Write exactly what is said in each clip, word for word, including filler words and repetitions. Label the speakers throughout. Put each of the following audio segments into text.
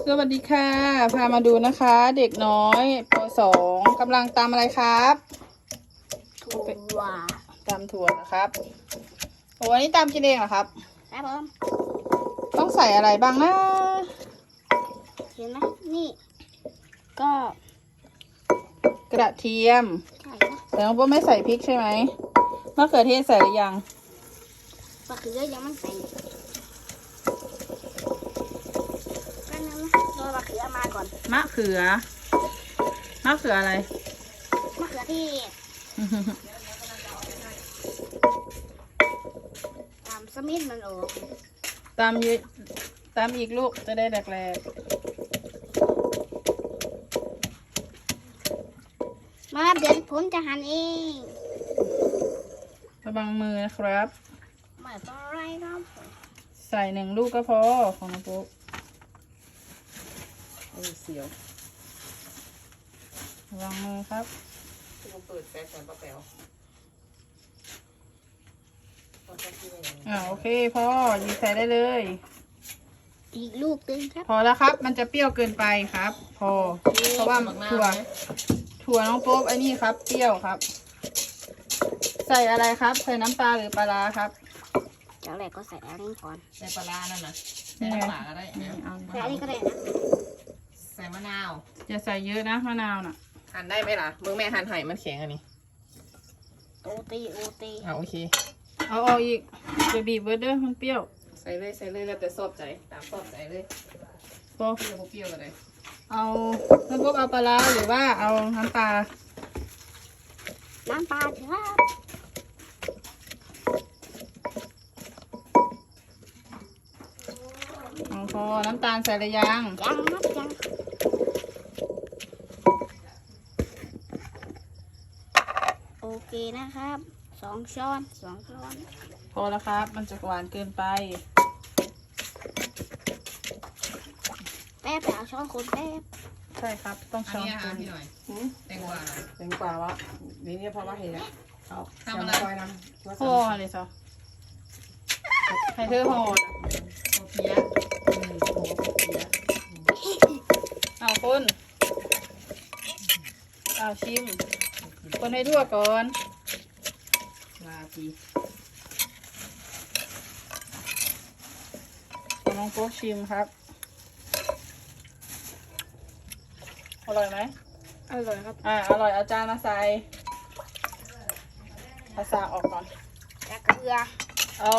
Speaker 1: สวัสดีค่ะพามาดูนะคะ เด็กน้อยปสองกำลังตำอะไรครับ
Speaker 2: ถั่ว
Speaker 1: ตำถั่วนะครับโอ้วันนี้ตำกินเองเหรอครับ
Speaker 2: ครับผม
Speaker 1: ต้องใส่อะไรบ้างนะ
Speaker 2: เห็นไหมนี่ก็
Speaker 1: กระเทียม
Speaker 2: ใช่ครับ
Speaker 1: แต่น้องโป๊ไม่ใส่พริกใช่ไหมมะเขือเทศใส่หรือยัง
Speaker 2: มะเขือยังไม่ใส่ก็นึงนะรอมะเขือมาก่อน
Speaker 1: มะเขือมะเขืออะไร
Speaker 2: มะเขือเทศตามสมิธมันออก
Speaker 1: ตามยีตามอีกลูกจะได้แหลก
Speaker 2: ๆมาเดี๋ยวผมจะหั่นเอง
Speaker 1: ระวังมือนะครับ
Speaker 2: ไม่เป็นไรครับ
Speaker 1: ใส่หนึ่งลูกก็พอของน้องปุ๊กโอ้เสียวระวังมือครับ
Speaker 3: เปิดแป๊บแป๊บแป๊บ
Speaker 1: อ่าโอเคพอหยิบใส่ได้เลย
Speaker 2: อีกลูกตึงครับ
Speaker 1: พอแล้วครับมันจะเปรี้ยวเกินไปครับ พอเพราะว่าถั่วถั่วน้องโป๊บไอ้นี่ครับเปรี้ยวครับใส่อะไรครับใส่น้ำปลาหรือปลาร้าครับ
Speaker 2: เจ้าแรกก็ใส่อันนี้ก่อน
Speaker 3: ใส่ปลาร้านั่นนะใส่น้ำปลาก็ได้
Speaker 2: ใส่อันนี้ก็ได้นะ
Speaker 3: ใส่มะนาว
Speaker 1: อย่าใส่เยอะนะมะนาวน่ะ
Speaker 3: หั่นได้ไหมล่ะมือแม่หั่นไห่มันแข็งอันนี้
Speaker 2: โอตีโอตี
Speaker 3: อ่าโอเค
Speaker 1: เอาออกอีกจะบีบเบอร์เดอร์มันเปรี้ยว
Speaker 3: ใส่เลยใส่เลยแล้วแต่ชอบใจตามชอบใจเลย
Speaker 1: พอ
Speaker 3: เปรี้ยวเปรี้ยวกันเลย
Speaker 1: เอาน้ำพวกเอาปลาร้าหรือว่าเอาน้ำปลา
Speaker 2: น้ำปลาเถอะ
Speaker 1: เอาพอน้ำตาลใส่หรือยัง
Speaker 2: ยังครับยังโอเคนะครับสองช้อนสองช้อน
Speaker 1: พอแล้วครับมันจะหวานเกินไป
Speaker 2: แป๊บไปเอาช้อนคนแป๊บ
Speaker 1: ใช่ครับต้องช้อน
Speaker 3: คนพี่หน่อยแตงกวา
Speaker 1: แตงกวาวะนี่เนี่ยพอว่าเห็นแล้ว
Speaker 3: ทำอะไร
Speaker 1: ห่อเลยซะให้เธอห่อ
Speaker 3: โอเพีย
Speaker 1: เอาคนเอาชิมคนให้ทั่วก่อน
Speaker 3: ลาที
Speaker 1: น้องโป๊กชิมครับอร่อยไหม
Speaker 2: อร่อยครับ
Speaker 1: อ่าอร่อยเอาจารย์มาใส่ภาษาออกก่อน
Speaker 2: แล้วเกลือ
Speaker 1: เอา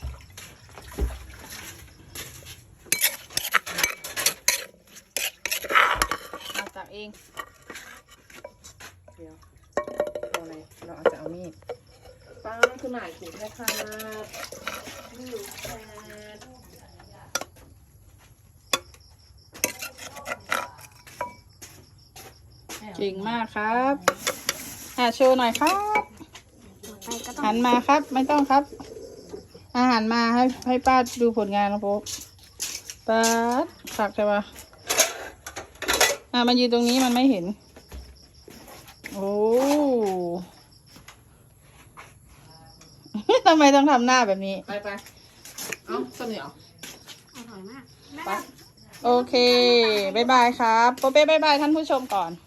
Speaker 1: มาตักเอง
Speaker 3: เดี๋ยวเอาอะไรเราอาจจะเอามีดป้าคือหมายถูกนะคะไม่รู้ค่ะ
Speaker 1: เก่งมากครับอ่าโชว์หน่อยครับหันมาครับไม่ต้องครับอาหารมาให้ให้ป้าดูผลงานนะพบป้าผักใช่ปะอ่ามันยืนตรงนี้มันไม่เห็นโอ้ทำไมต้องทำหน้าแบบนี้
Speaker 3: ไปไปเอ้าสนิทเหรอ
Speaker 2: อร่อยมาก
Speaker 1: โอเคบ๊ายบายครับโปเป้บ๊ายบายท่านผู้ชมก่อน